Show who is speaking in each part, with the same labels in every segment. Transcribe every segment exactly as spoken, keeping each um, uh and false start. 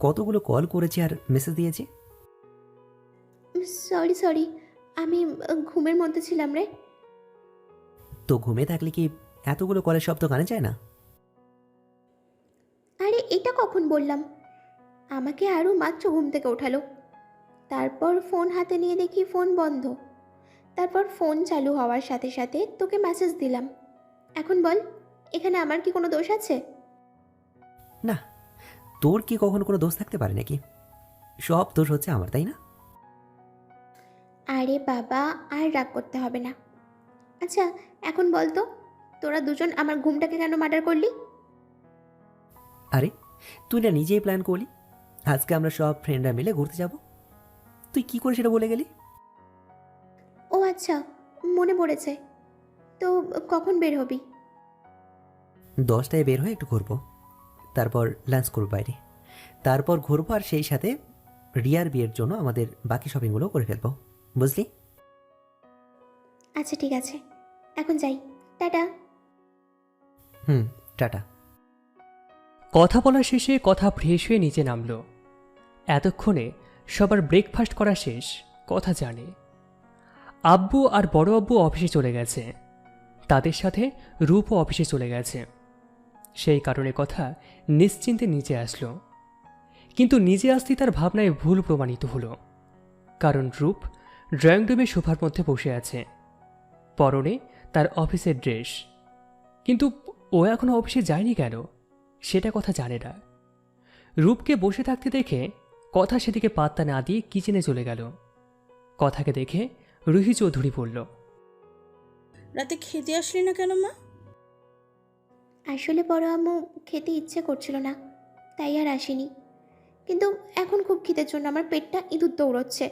Speaker 1: কতগুলো কল করেছি আর মেসেজ দিয়েছি।
Speaker 2: সরি সরি, আমি আহ, ঘুমের মধ্যে ছিলাম রে।
Speaker 1: তো ঘুমে থাকলে কি এতগুলো কলের শব্দ কানে যায় না?
Speaker 2: আরে এটা কখন বললাম? আমাকে আরও মাত্র ঘুম থেকে ওঠালো, তারপর ফোন হাতে নিয়ে দেখি ফোন বন্ধ। তারপর ফোন চালু হওয়ার সাথে সাথে তোকে মেসেজ দিলাম। এখন বল, এখানে আমার কি কোনো দোষ আছে?
Speaker 1: না, তোর কি কখনো কোনো দোষ থাকতে পারে নাকি? সব দোষ হচ্ছে আমার, তাই না?
Speaker 2: আরে বাবা, আর রাগ করতে হবে না। আচ্ছা, এখন বল তো, তোরা দুজন আমার ঘুমটাকে কেন মার্ডার করলি?
Speaker 1: আরে, তুই না নিজেই প্ল্যান করলি আজকে আমরা সব ফ্রেন্ডরা মিলে ঘুরতে যাব। তুই কি করে সেটা বলে গেলি?
Speaker 2: ও আচ্ছা, মনে পড়েছে। তো কখন বের হবি?
Speaker 1: দশটায় বের হয়ে একটু ঘুরবো, তারপর লাঞ্চ করবো বাইরে, তারপর ঘুরবো আর সেই সাথে রিয়ার বিয়ের জন্য আমাদের বাকি শপিংগুলো করে ফেলবো, বুঝলি?
Speaker 2: আচ্ছা ঠিক আছে, এখন যাই। টাটা।
Speaker 1: হুম, টাটা।
Speaker 3: কথা বলা শেষে কথা ফ্রেশ হয়ে নিচে নামল। এতক্ষণে সবার ব্রেকফাস্ট করা শেষ, কথা জানে। আব্বু আর বড় আব্বু অফিসে চলে গেছে, তাদের সাথে রূপও অফিসে চলে গেছে। সেই কারণে কথা নিশ্চিন্তে নিচে আসলো। কিন্তু নিজে আসতেই তার ভাবনায় ভুল প্রমাণিত হলো, কারণ রূপ ড্রয়িং রুমে সোফার মধ্যে বসে আছে, পরনে তার অফিসের ড্রেস। কিন্তু ও এখনো অফিসে যায়নি কেন, সেটা কথা জানে না। রূপকে বসে থাকতে দেখে কথা সেদিকে পাত্তা না দিয়ে কিচেনে চলে গেল। কথাকে দেখে রুহি চৌধুরী বলল,
Speaker 4: রাতে খেতে আসলি না কেন মা?
Speaker 2: আসলে বড় আম্মু খেতে ইচ্ছে করছিল না, তাই আর আসিনি। কিন্তু এখন খুব খিদের জন্য আমার পেটটা ইঁদুর দৌড়চ্ছে।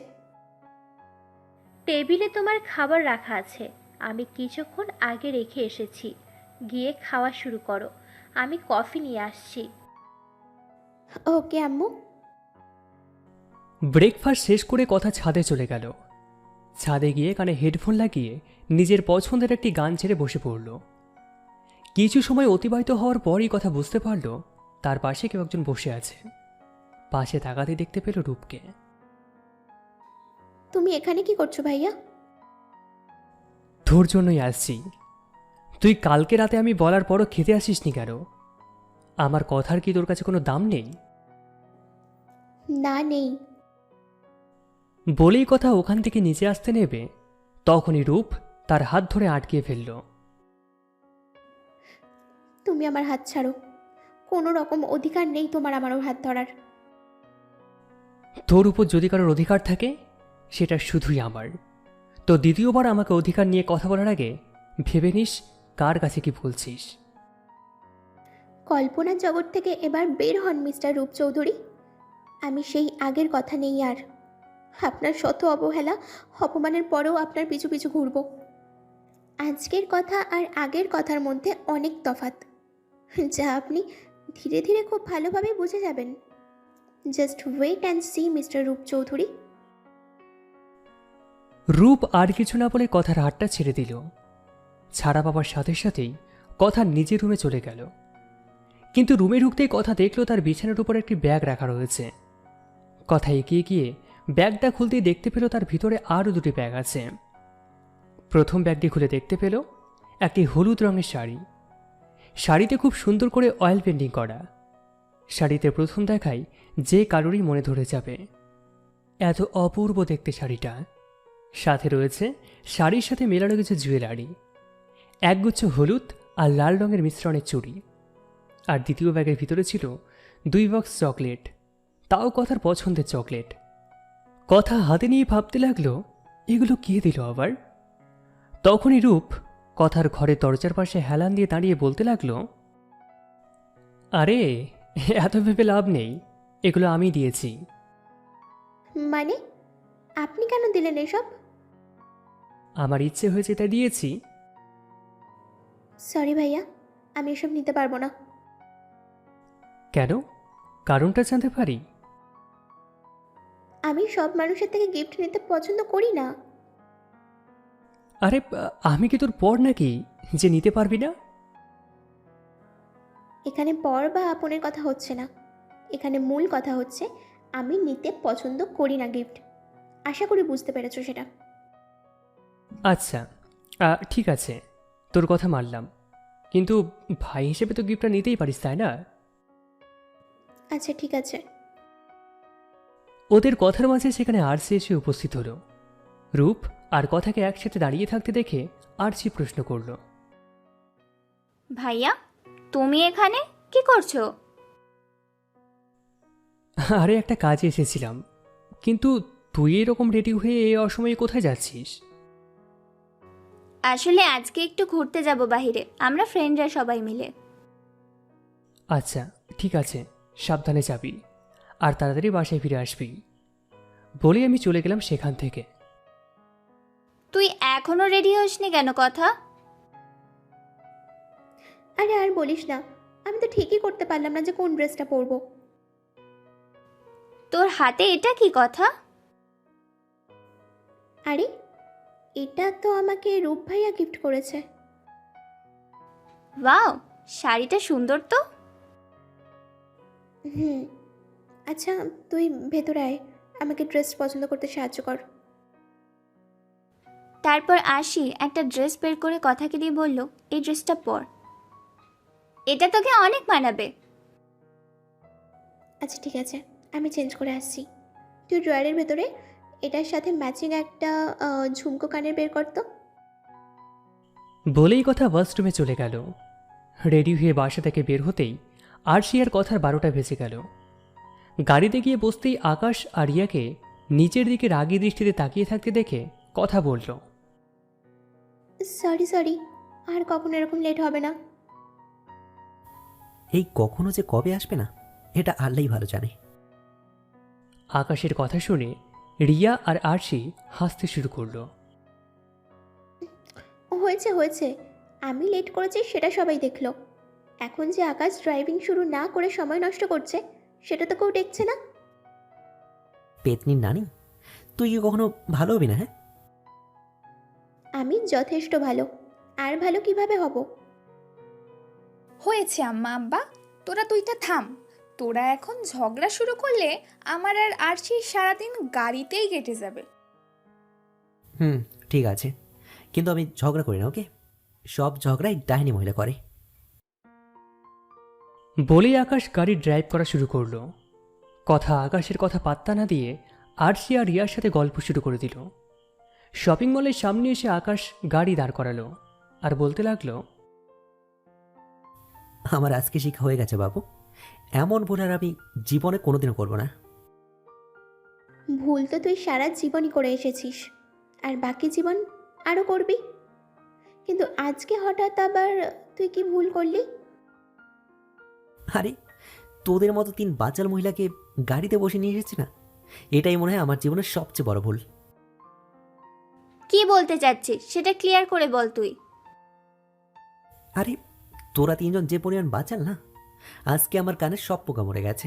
Speaker 5: টেবিলে তোমার খাবার রাখা আছে, আমি কিছুক্ষণ আগে রেখে এসেছি, গিয়ে খাওয়া শুরু করো, আমি কফি নিয়ে আসছি।
Speaker 2: ওকে আম্মু।
Speaker 3: ব্রেকফাস্ট শেষ করে কথা ছাদে চলে গেল। ছাদে গিয়ে কানে হেডফোন লাগিয়ে নিজের পছন্দের একটি গান ছেড়ে বসে পড়ল। কিছু সময় অতিবাহিত হওয়ার পরই কথা বুঝতে পারল তার পাশে কেউ একজন বসে আছে। পাশে তাকাতে দেখতে পেল রূপকে।
Speaker 2: তুমি এখানে কি করছো ভাইয়া?
Speaker 3: তোর জন্যই আসছি। তুই কালকে রাতে আমি বলার পরও খেতে আসিসনি কেন? আমার কথার কি তোর কাছে কোনো দাম নেই?
Speaker 2: না নেই।
Speaker 3: বলেই কথা ওখান থেকে নিচে আসতে নেবে, তখনই রূপ তার হাত ধরে আটকিয়ে ফেলল।
Speaker 2: তুমি আমার হাত ছাড়ো, কোনো রকম অধিকার নেই তোমার আমার ওর হাত ধরার।
Speaker 3: তোর উপর যদি কারোর অধিকার থাকে সেটা শুধুই আমার। তো দ্বিতীয়বার আমাকে অধিকার নিয়ে কথা বলার আগে ভেবে নিস কার কাছে কি বলছিস।
Speaker 2: কল্পনার জগৎ থেকে এবার বের হন মিস্টার রূপ চৌধুরী। আমি সেই আগের কথা নেই আর। আপনার শত অবহেলা অপমানের পরেও আপনার পিছু পিছু ঘুরব। আজকের কথা আর আগের কথার মধ্যে অনেক তফাৎ, যা আপনি ধীরে ধীরে খুব ভালোভাবে বুঝে যাবেন। Just wait and see mister Rup Chowdhury.
Speaker 3: রূপ আর কিছু না বলে কথার হাতটা ছেড়ে দিল। ছাড়া পাবার সাথে সাথেই কথা নিজের রুমে চলে গেল। কিন্তু রুমে ঢুকতেই কথা দেখলো তার বিছানার উপর একটি ব্যাগ রাখা রয়েছে। কথা এগিয়ে গিয়ে ব্যাগটা খুলতেই দেখতে পেল তার ভিতরে আরও দুটি ব্যাগ আছে। প্রথম ব্যাগটি খুলে দেখতে পেল একটি হলুদ রঙের শাড়ি। শাড়িতে খুব সুন্দর করে অয়েল পেন্টিং করা। শাড়িতে প্রথম দেখাই যে কারোরই মনে ধরে যাবে, এত অপূর্ব দেখতে শাড়িটা। সাথে রয়েছে শাড়ির সাথে মেলানো কিছু জুয়েলারি, একগুচ্ছ হলুদ আর লাল রঙের মিশ্রণের চুড়ি। আর দ্বিতীয় ব্যাগের ভিতরে ছিল দুই বক্স চকলেট, তাও কথার পছন্দের চকলেট। কথা হাতে নিয়ে ভাবতে লাগলো এগুলো কে দিল আবার। তখনই রূপ কথার ঘরের দরজার পাশে হেলান দিয়ে দাঁড়িয়ে বলতে লাগলো, আরে এত ভেবে লাভ নেই, এগুলো আমি দিয়েছি।
Speaker 2: মানে আপনি কেন দিলেন এসব?
Speaker 3: আমার ইচ্ছে হয়েছে তাই দিয়েছি।
Speaker 2: সরি ভাইয়া, আমি এসব নিতে পারবো না।
Speaker 3: কেন, কারণটা জানতে পারি?
Speaker 2: আমি সব মানুষের থেকে গিফট নিতে পছন্দ করি না।
Speaker 3: আরে আমি কি তোর পর নাকি যে নিতে পারবি না?
Speaker 2: এখানে পর বা আপনের কথা হচ্ছে না, এখানে মূল কথা হচ্ছে আমি নিতে পছন্দ করি না গিফট। আশা করি বুঝতে পেরেছো সেটা।
Speaker 3: আচ্ছা আহ, ঠিক আছে, তোর কথা মানলাম, কিন্তু ভাই হিসেবে তো গিফটটা নিতেই পারিস, তাই না?
Speaker 2: আচ্ছা ঠিক আছে।
Speaker 3: ওদের কথার মাঝে সেখানে আরসি এসে উপস্থিত হলো। রূপ আর কথাকে একসাথে দাঁড়িয়ে থাকতে দেখে আরসি প্রশ্ন করলো,
Speaker 5: ভাইয়া তুমি এখানে কি করছো?
Speaker 3: আরে একটা কাজে এসেছিলাম, কিন্তু তুই এরকম রেডি হয়ে এই অসময়ে কোথায় যাচ্ছিস?
Speaker 5: আসলে আজকে একটু ঘুরতে যাব বাইরে, আমরা ফ্রেন্ডরা সবাই মিলে।
Speaker 3: আচ্ছা ঠিক আছে, সাবধানে যাবি আর তাড়াতাড়ি বাসায় ফিরে আসবি। বলে আমি চলে গেলাম সেখান থেকে।
Speaker 5: তুই এখনো রেডি হসনি কেন কথা?
Speaker 2: আরে আর বলিস না, আমি তো ঠিকই করতে পারলাম না যে কোন ড্রেসটা পরবো।
Speaker 5: তোর হাতে এটা কি কথা?
Speaker 2: আরে এটা তো আমাকে রূপ ভাইয়া গিফট করেছে।
Speaker 5: ওয়াও, শাড়িটা সুন্দর তো।
Speaker 2: হুম, আচ্ছা তুই ভেতরে আয়, আমাকে ড্রেস পছন্দ করতে সাহায্য কর।
Speaker 5: তারপর আসি একটা ড্রেস বের করে কথাকে দিয়ে বলল, এই ড্রেসটা পর, এটা তোকে অনেক মানাবে।
Speaker 2: আচ্ছা ঠিক আছে, আমি চেঞ্জ করে আসছি। তুই ড্রয়ারের ভেতরে এটার সাথে ম্যাচিং একটা আহ, ঝুমকো কানের বের কর তো।
Speaker 3: বলেই কথা ওয়াশরুমে চলে গেল। রেডি হয়ে বাসা থেকে বের হতেই আরশি আর কথার বারোটা ভেসে গেল। গাড়িতে গিয়ে বসতেই আকাশ আর রিয়াকে নিচের দিকে রাগী দৃষ্টিতে তাকিয়ে থাকতে দেখে কথা বলল,
Speaker 2: সরি সরি, আর কখনো এরকম লেট হবে না।
Speaker 1: এই কখনো যে কবে আসবে না, এটা আল্লাহই ভালো জানে।
Speaker 3: আকাশের কথা শুনে রিয়া আর আরশি হাসতে শুরু করলো।
Speaker 2: হয়েছে হয়েছে, আমি লেট করেছি সেটা সবাই দেখলো। এখন যে আকাশ ড্রাইভিং শুরু না করে সময় নষ্ট করছে সেটা তো কেউ দেখছে না।
Speaker 1: পেতনির নানি, তুই কি কখনো ভালো হবি না? হ্যাঁ,
Speaker 2: আমি যথেষ্ট ভালো, আর ভালো কিভাবে হব?
Speaker 6: হয়েছে আম্মা আব্বা, তোরা দুইটা থাম। তোরা এখন ঝগড়া শুরু করলে আমার আর আরশির সারাদিন গাড়িতেই কেটে যাবে।
Speaker 1: হুম ঠিক আছে, কিন্তু আমি ঝগড়া করি না, ওকে? সব ঝগড়াই ডাইনি মহিলা করে।
Speaker 3: বলেই আকাশ গাড়ি ড্রাইভ করা শুরু করলো। কথা আকাশের কথা পাত্তা না দিয়ে আরশি আর রিয়ার সাথে গল্প শুরু করে দিল। শপিং মলের সামনে এসে আকাশ গাড়ি দাঁড় করালো আর বলতে লাগলো,
Speaker 1: আমার আজকে শিক্ষা হয়ে গেছে বাবু, এমন ভুল আর আমি জীবনে কোনোদিনও করবো না।
Speaker 2: ভুল তো তুই সারা জীবনই করে এসেছিস, আর বাকি জীবন আরও করবি। কিন্তু আজকে হঠাৎ আবার তুই কি ভুল করলি?
Speaker 1: আরে তোদের মতো তিন বাচাল মহিলাকে গাড়িতে বসে নিয়ে এসেছি না, এটাই মনে হয় আমার জীবনের সবচেয়ে বড় ভুল।
Speaker 5: কি বলতে চাচ্ছিস সেটা ক্লিয়ার করে বল তুই।
Speaker 1: আরে তোরা তিনজন যে পরিমাণ বাচাল না, আজকে আমার কানে সব পোকা মরে গেছে।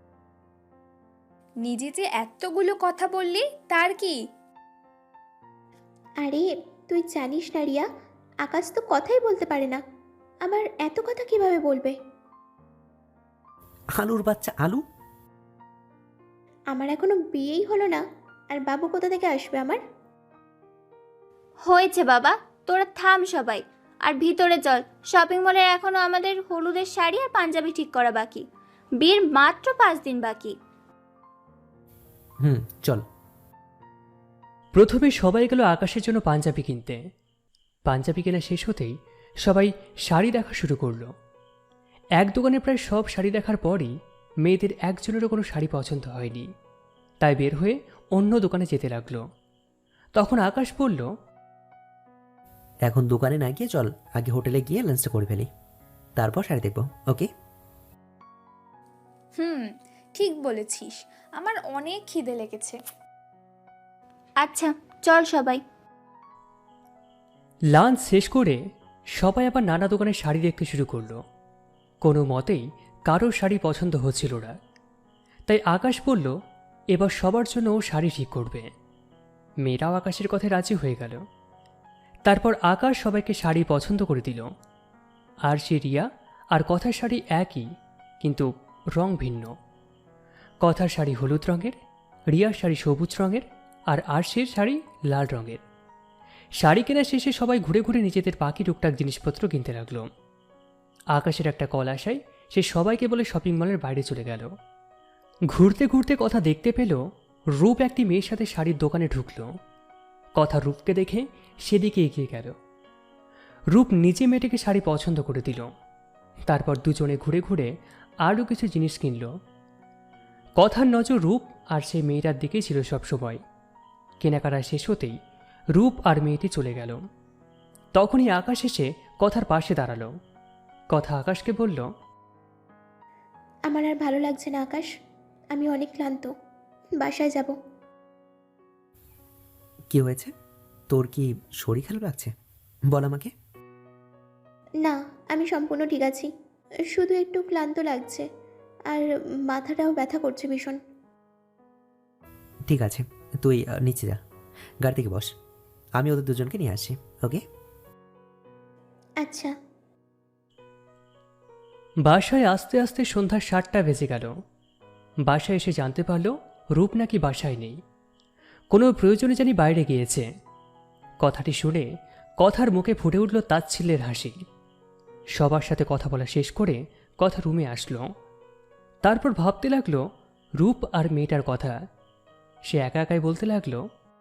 Speaker 6: নিজে যে এতগুলো কথা বললি তার কি?
Speaker 2: আরে তুই জানিস না রিয়া, আকাশ তো কথাই বলতে পারে না, আবার এত কথা কিভাবে বলবে?
Speaker 1: আলুর বাচ্চা আলু।
Speaker 2: আমার এখনো বিয়েই হলো না, আর বাবু কোথা থেকে আসবে আমার?
Speaker 5: হয়েছে বাবা, তোরা থাম সবাই, আর ভিতরে চল। শপিং মলের এখনো আমাদের হলুদের শাড়ি আর পাঞ্জাবি ঠিক করা বাকি, বিয়ের মাত্র পাঁচ দিন বাকি।
Speaker 1: হুম চল।
Speaker 3: প্রথমে সবাই গেল আকাশের জন্য পাঞ্জাবি কিনতে। পাঞ্জাবি কেনা শেষ হতেই সবাই শাড়ি দেখা শুরু করলো। এক দোকানে প্রায় সব শাড়ি দেখার পরই মেয়েদের একজনেরও কোনো শাড়ি পছন্দ হয়নি, তাই বের হয়ে অন্য দোকানে যেতে লাগলো। তখন আকাশ বলল,
Speaker 1: এখন দোকানে না গিয়ে চল আগে হোটেলে গিয়ে লাঞ্চটা করে ফেলি, তারপর শাড়ি দেখবো, ওকে?
Speaker 6: হুম, ঠিক বলেছিস, আমার অনেক খিদে লেগেছে।
Speaker 5: আচ্ছা চল সবাই।
Speaker 3: লাঞ্চ শেষ করে সবাই আবার নানা দোকানে শাড়ি দেখতে শুরু করলো। কোনো মতেই কারোর শাড়ি পছন্দ হচ্ছিল না, তাই আকাশ বলল এবার সবার জন্য ও শাড়ি ঠিক করবে। মেয়েরাও আকাশের কথায় রাজি হয়ে গেল। তারপর আকাশ সবাইকে শাড়ি পছন্দ করে দিল। আর সে রিয়া আর কথার শাড়ি একই, কিন্তু রং ভিন্ন। কথার শাড়ি হলুদ রঙের, রিয়ার শাড়ি সবুজ রঙের, আর আরশির শাড়ি লাল রঙের। শাড়ি কেনা শেষে সবাই ঘুরে ঘুরে নিজেদের বাকি টুকটাক জিনিসপত্র কিনতে লাগলো। আকাশের একটা কল আসায় সে সবাইকে বলে শপিং মলের বাইরে চলে গেল। ঘুরতে ঘুরতে কথা দেখতে পেল রূপ একটি মেয়ের সাথে শাড়ির দোকানে ঢুকলো। কথা রূপকে দেখে সেদিকে এগিয়ে গেল। রূপ নিজে মেয়েটিকে শাড়ি পছন্দ করে দিল। তারপর দুজনে ঘুরে ঘুরে আরও কিছু জিনিস কিনল। কথার নজর রূপ আর সেই মেয়েটার দিকেই ছিল সবসময়। কেনাকাটা শেষ হতেই রূপ আর মেয়েটি চলে গেল। তখনই আকাশ এসে কথার পাশে দাঁড়ালো। কথা আকাশকে বলল,
Speaker 2: আমার আর ভালো লাগছে না আকাশ, আমি অনেক ক্লান্ত, বাসায় যাব।
Speaker 1: কি হয়েছে? তোর কি শরীর খারাপ লাগছে? বল আমাকে।
Speaker 2: না, আমি সম্পূর্ণ ঠিক আছি, শুধু একটু ক্লান্ত লাগছে আর মাথাটাও ব্যথা করছে ভীষণ।
Speaker 1: ঠিক আছে, তুই আহ, নিচে যা, গাড়ি থেকে বস, আমি ওদের দুজনকে নিয়ে আসি। ওকে?
Speaker 2: আচ্ছা।
Speaker 3: বাসায় আস্তে আস্তে সন্ধ্যা সাতটা বেজে গেল। বাসায় এসে জানতে পারল রূপ নাকি বাসায় নেই, কোনো প্রয়োজনে জানি বাইরে গিয়েছে। কথাটি শুনে কথার মুখে ফুটে উঠল তাচ্ছিল্যের হাসি। সবার সাথে কথা বলা শেষ করে কথা রুমে আসলো। তারপর ভাবতে লাগলো রূপ আর মেয়েটার কথা। সে একা একাই বলতে লাগলো,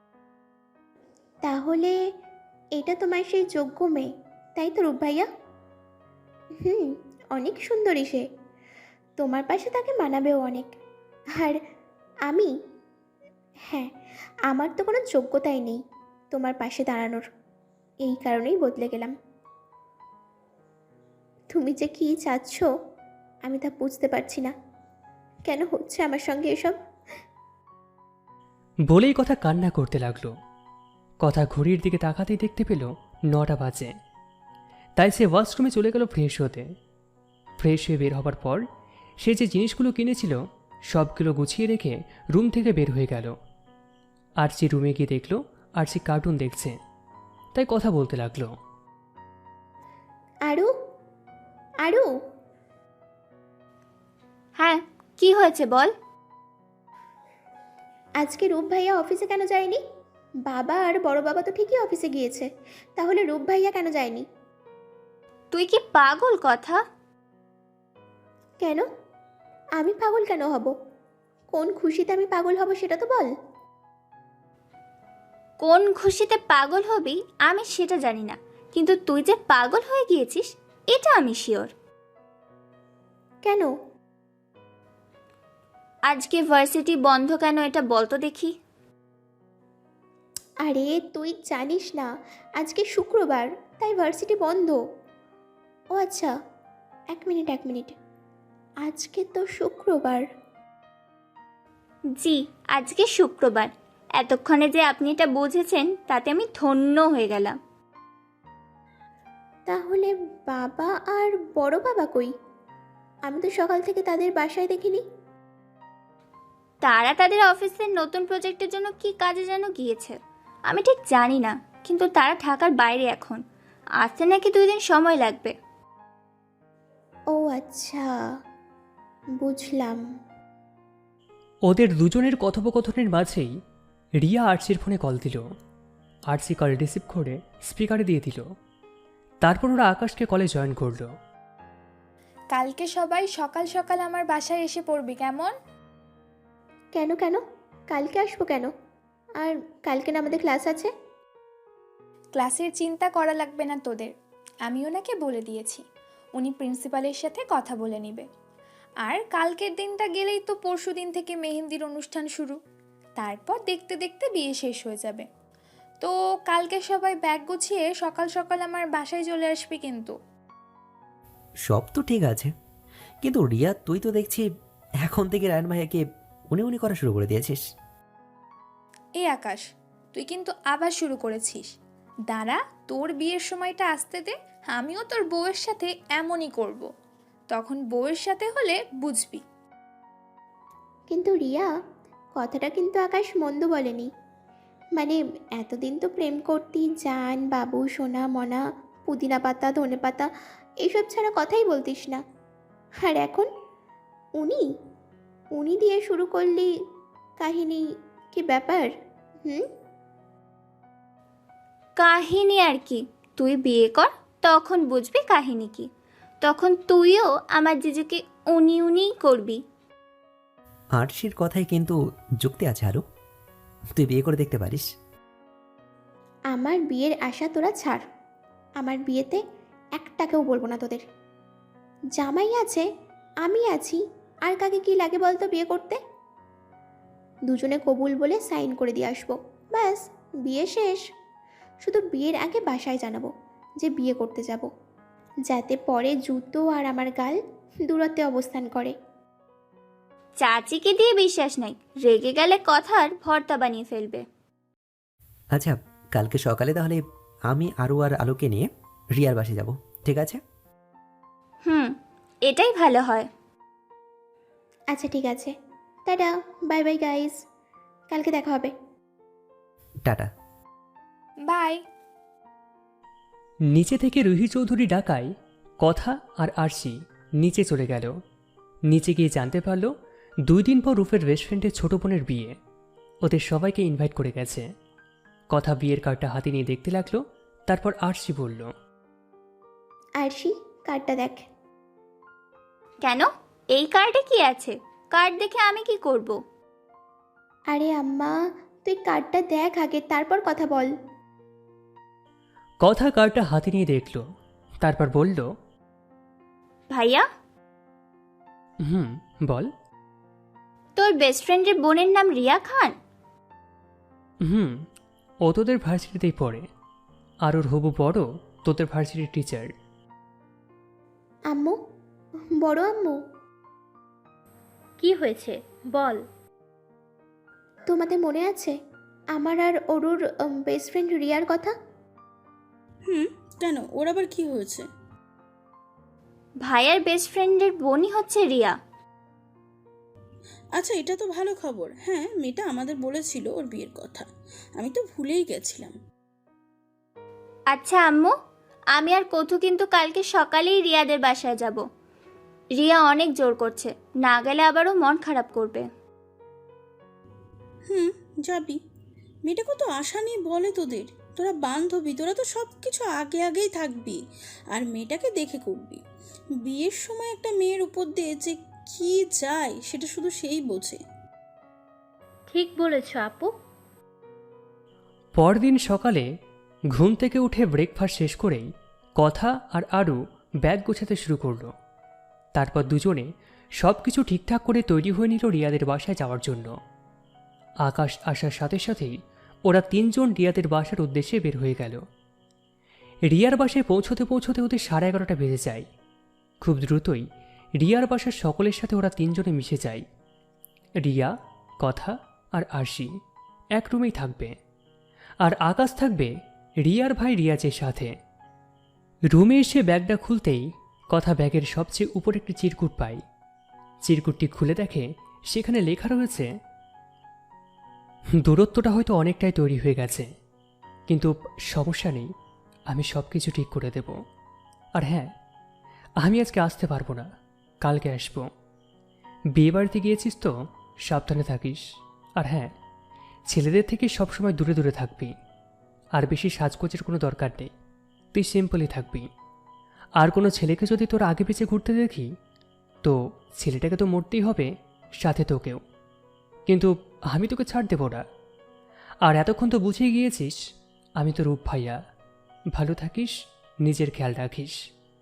Speaker 2: তাহলে এটা তোমার সেই যোগ্য মেয়ে, তাই তো রূপ ভাইয়া? হুম, অনেক সুন্দরী সে, তোমার পাশে তাকে মানাবেও অনেক। আর আমি, হ্যাঁ, আমার তো কোনো যোগ্যতাই নেই তোমার পাশে দাঁড়ানোর, এই কারণেই বদলে গেলাম। তুমি যে কী চাচ্ছ আমি তা বুঝতে পারছি না, কেন হচ্ছে আমার সঙ্গে এসব?
Speaker 3: বলেই কথা কান্না করতে লাগলো। কথা ঘড়ির দিকে তাকাতেই দেখতে পেল নটা বাজে। তাই সে ওয়াশরুমে চলে গেল ফ্রেশ হতে। ফ্রেশ হয়ে বের হবার পর সে যে জিনিসগুলো কিনেছিল সবগুলো গুছিয়ে রেখে রুম থেকে বের হয়ে গেল। আরচি রুমে গিয়ে দেখল আরচি কার্টুন দেখছে, তাই কথা বলতে লাগলো।
Speaker 2: আরু, আরু,
Speaker 5: হ্যাঁ, কি হয়েছে বল।
Speaker 2: আজকে রূপ ভাইয়া অফিসে কেন যায়নি? বাবা আর বড় বাবা তো ঠিকই অফিসে গিয়েছে, তাহলে রূপ ভাইয়া কেন যায়নি?
Speaker 5: তুই কি পাগল কথা?
Speaker 2: কেন? আমি পাগল কেন হব? কোন খুশিতে আমি পাগল হব সেটা তো বল।
Speaker 5: কোন খুশিতে পাগল হবি আমি সেটা জানি না, কিন্তু তুই যে পাগল হয়ে গিয়েছিস এটা আমি শিওর।
Speaker 2: কেন?
Speaker 5: আজকে ভার্সিটি বন্ধ কেন এটা বল তো দেখি।
Speaker 2: আরে তুই জানিস না আজকে শুক্রবার, তাই ভার্সিটি বন্ধ। ও আচ্ছা, এক মিনিট এক মিনিট, আজকে তো শুক্রবার।
Speaker 5: জি, আজকে শুক্রবার। এতক্ষণে যে আপনি এটা বুঝেছেন তাতে আমি ধন্য হয়ে গেলাম।
Speaker 2: তাহলে বাবা আর বড় বাবা কই? আমি তো সকাল থেকে তাদের বাসায় দেখিনি।
Speaker 5: তারা তাদের অফিসের নতুন প্রজেক্টের জন্য কি কাজে যেন গিয়েছে, আমি ঠিক জানি না, কিন্তু তারা ঢাকার বাইরে এখন, আসতে নাকি দুই দিন সময় লাগবে।
Speaker 2: ও আচ্ছা, বুঝলাম।
Speaker 3: ওদের দুজনের কথোপকথনের মাঝেই রিয়া আরচির ফোনে কল দিল। আরচি কল রিসিভ করে স্পিকারে দিয়ে দিল। তারপর ওরা আকাশকে কলে জয়েন করলো।
Speaker 6: কালকে সবাই সকাল সকাল আমার বাসায় এসে পড়বি কেমন?
Speaker 2: কেন কেন কালকে আসবো কেন? আর কালকে না আমাদের ক্লাস আছে।
Speaker 6: ক্লাসের চিন্তা করা লাগবে না তোদের, আমি ওনাকে বলে দিয়েছি, উনি প্রিন্সিপালের সাথে কথা বলে নেবে। আর কালকের দিনটা গেলেই তো পরশু দিন থেকে মেহেন্দির অনুষ্ঠান শুরু, তারপর দেখতে দেখতে বিয়ে শেষ হয়ে যাবে। তো কালকে সবাই ব্যাগ গুছিয়ে সকাল সকাল আমার বাসায় চলে আসবি কিন্তু।
Speaker 1: সব তো ঠিক আছে, কিন্তু রিয়া তুই তো দেখছি এখন থেকে রায়ন ভাইয়াকে উনি উনি করা শুরু করে দিয়েছিস।
Speaker 6: এই আকাশ, তুই কিন্তু আবার শুরু করেছিস। দাঁড়া, তোর বিয়ের সময়টা আসতে দে, আমিও তোর বউয়ের সাথে এমনই করব। তখন বউয়ের সাথে হলে বুঝবি।
Speaker 2: কিন্তু রিয়া, কথাটা কিন্তু আকাশ মন্দ বলেনি। মানে এতদিন তো প্রেম করতি জান, বাবু, সোনা, মনা, পুদিনা পাতা, ধনে পাতা, এইসব ছাড়া কথাই বলতিস না। আর এখন উনি, উনি দিয়ে শুরু করলি কাহিনী, কি ব্যাপার? হুম
Speaker 5: কাহিনী আর কি, তুই বিয়ে কর, তখন বুঝবি কাহিনী কি। তখন তুইও আমার জিজুকে উনি উনিই করবি।
Speaker 1: আরশির কথায় কিন্তু যুক্তি আছে আরু। তুই বিয়ে করে দেখতে পারিস।
Speaker 2: আমার বিয়ের আশা তোরা ছাড়। আমার বিয়েতে একটাকেও বলবো না তোদের। জামাই আছে, আমি আছি, আর কাকে কি লাগে বলতো বিয়ে করতে? দুজনে কবুল বলে সাইন করে দিয়ে আসবো, ব্যাস বিয়ে শেষ। শুধু বিয়ের আগে বাসায় জানাবো যে বিয়ে করতে যাব, যাতে পরে জুতো আর আমার গাল দূরত্বে অবস্থান করে।
Speaker 5: চাচিকে দিয়ে বিশ্বাস নাই, রেগে গেলে কথার ভর্তা বানিয়ে ফেলবে।
Speaker 1: আচ্ছা, কালকে সকালে তাহলে আমি আরু আর আলোকে নিয়ে রিয়ার বাসে যাব, ঠিক আছে?
Speaker 5: হুম, এটাই ভালো হয়।
Speaker 2: আচ্ছা ঠিক আছে, টাটা, বাই বাই গাইস, কালকে দেখা হবে।
Speaker 1: টাটা।
Speaker 6: বাই।
Speaker 3: নিচে থেকে রুহি চৌধুরী ডাকায় কথা আর আরশি নিচে চলে গেল। নিচে গিয়ে জানতে পারল দুই দিন পর রূপের বেস্ট ফ্রেন্ডের ছোট বোনের বিয়ে। ওদের সবাইকে ইনভাইট করে গেছে। কথা বিয়ের কার্ডটা হাতে নিয়ে দেখতে লাগলো। তারপর আরশি বলল,
Speaker 2: আরশি, কার্ডটা দেখ।
Speaker 5: কেন, এই কার্ডে কি আছে? কার্ড দেখে আমি কি করব?
Speaker 2: আরে আম্মা, তুই কার্ডটা দেখ আগে, তারপর কথা বল।
Speaker 3: কথা কার্ডটা হাতে নিয়ে দেখল। তারপর বলল,
Speaker 5: ভাইয়া,
Speaker 3: হুম বল।
Speaker 5: তোর বেস্ট ফ্রেন্ডের বোনের নাম রিয়া খান?
Speaker 3: হুম, ও তোদের ভার্সিটিতেই পড়ে। আর ওর হবু বড় তোদের ভার্সিটির টিচার।
Speaker 2: আম্মু, বড় আম্মু,
Speaker 5: কি হয়েছে বল।
Speaker 2: তোমাদের মনে আছে আমার আর অরুর বেস্ট ফ্রেন্ড রিয়ার কথা?
Speaker 4: হুম, কেন, ওর আবার কি হয়েছে?
Speaker 5: ভাইয়ার বেস্ট ফ্রেন্ডের বোনই হচ্ছে রিয়া।
Speaker 4: আচ্ছা, এটা তো ভালো খবর। হ্যাঁ, মেয়েটা আমাদের বলেছিল ওর বিয়ের কথা, আমি তো ভুলেই গেছিলাম।
Speaker 5: আচ্ছা আম্মু, আমি আর কথু কিন্তু কালকে সকালেই রিয়াদের বাসায় যাব। রিয়া অনেক জোর করছে, না গেলে আবারও মন খারাপ করবে।
Speaker 4: হুম, যাবি। মেয়েটা কত আশা নিয়ে বলে তোদের, তোরা বান্ধবী, তোরা তো সব কিছু আগে আগেই থাকবি আর মেয়েটাকে দেখে করবি। বিয়ের সময় একটা মেয়ের উপর দিয়ে যে কি যায় সেটা শুধু সেই বোঝে।
Speaker 5: ঠিক বলেছ আপু।
Speaker 3: পরদিন সকালে ঘুম থেকে উঠে ব্রেকফাস্ট শেষ করেই কথা আর আরু ব্যাগ গোছাতে শুরু করলো। তারপর দুজনে সব কিছু ঠিকঠাক করে তৈরি হয়ে নিল রিয়াদের বাসায় যাওয়ার জন্য। আকাশ আসার সাথে সাথেই ওরা তিনজন রিয়াদের বাসার উদ্দেশ্যে বের হয়ে গেল। রিয়ার বাসায় পৌঁছতে পৌঁছতে ওদের সাড়ে এগারোটা বেজে যায়। খুব দ্রুতই রিয়ার বাসার সকলের সাথে ওরা তিনজনে মিশে যায়। রিয়া, কথা আর আরশি এক রুমেই থাকবে, আর আকাশ থাকবে রিয়ার ভাই রিয়াজের সাথে। রুমে এসে ব্যাগটা খুলতেই কথা ব্যাগের সবচেয়ে উপরে একটি চিরকুট পায়। চিরকুটটি খুলে দেখে সেখানে লেখা রয়েছে, দূরত্বটা হয়তো অনেকটাই তৈরি হয়ে গেছে, কিন্তু সমস্যা নেই, আমি সব কিছু ঠিক করে দেব। আর হ্যাঁ, আমি আজকে আসতে পারবো না, কালকে আসবো। বিয়ে বাড়িতে গিয়েছিস তো, সাবধানে থাকিস। আর হ্যাঁ, ছেলেদের থেকে সবসময় দূরে দূরে থাকবি। আর বেশি সাজগোজের কোনো দরকার নেই, তুই সিম্পলই থাকবি। আর কোনো ছেলেকে যদি তোর আগে পিছে ঘুরতে দেখি, তো ছেলেটাকে তো মরতেই হবে, সাথে তোকেও। কিন্তু আমি তোকে ছাড় দেব না। আর এতক্ষণ তো বুঝিয়ে গিয়েছিস আমি তো রূপ ভাইয়া। ভালো থাকিস, নিজের খেয়াল রাখিস।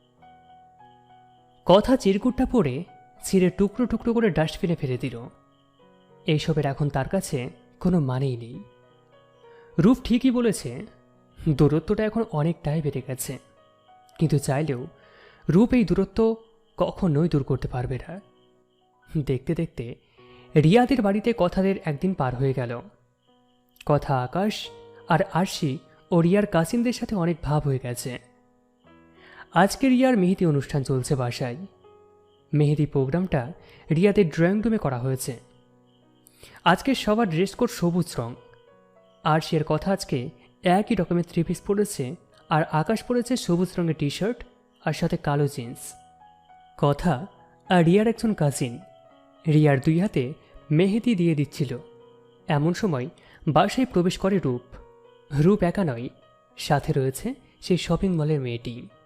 Speaker 3: কথা চিরকুটটা পড়ে ছিঁড়ে টুকরো টুকরো করে ডাস্টবিনে ফেলে দিল। এইসবের এখন তার কাছে কোনো মানেই নেই। রূপ ঠিকই বলেছে, দূরত্বটা এখন অনেকটাই বেড়ে গেছে, কিন্তু চাইলেও রূপ এই দূরত্ব কখনোই দূর করতে পারবে না। দেখতে দেখতে রিয়াদের বাড়িতে কথাদের একদিন পার হয়ে গেল। কথা আকাশ আর আরশি ও রিয়ার কাসিনদের সাথে অনেক ভাব হয়ে গেছে। আজকে রিয়ার মেহেদি অনুষ্ঠান চলছে বাসায়। মেহেদি প্রোগ্রামটা রিয়াদের ড্রয়িং রুমে করা হয়েছে। আজকে সবার ড্রেস কোড সবুজ রং। আরশির কথা আজকে একই রকমের থ্রি পিস পরেছে, আর আকাশ পরেছে সবুজ রঙের টি শার্ট আর সাথে কালো জিন্স। কথা আর রিয়ার একজন কাজিন রিয়ার দুই হাতে মেহেদি দিয়ে দিচ্ছিল। এমন সময় বাসায় প্রবেশ করে রূপ। রূপ একা নয়, সাথে রয়েছে সেই শপিং মলের মেয়েটি।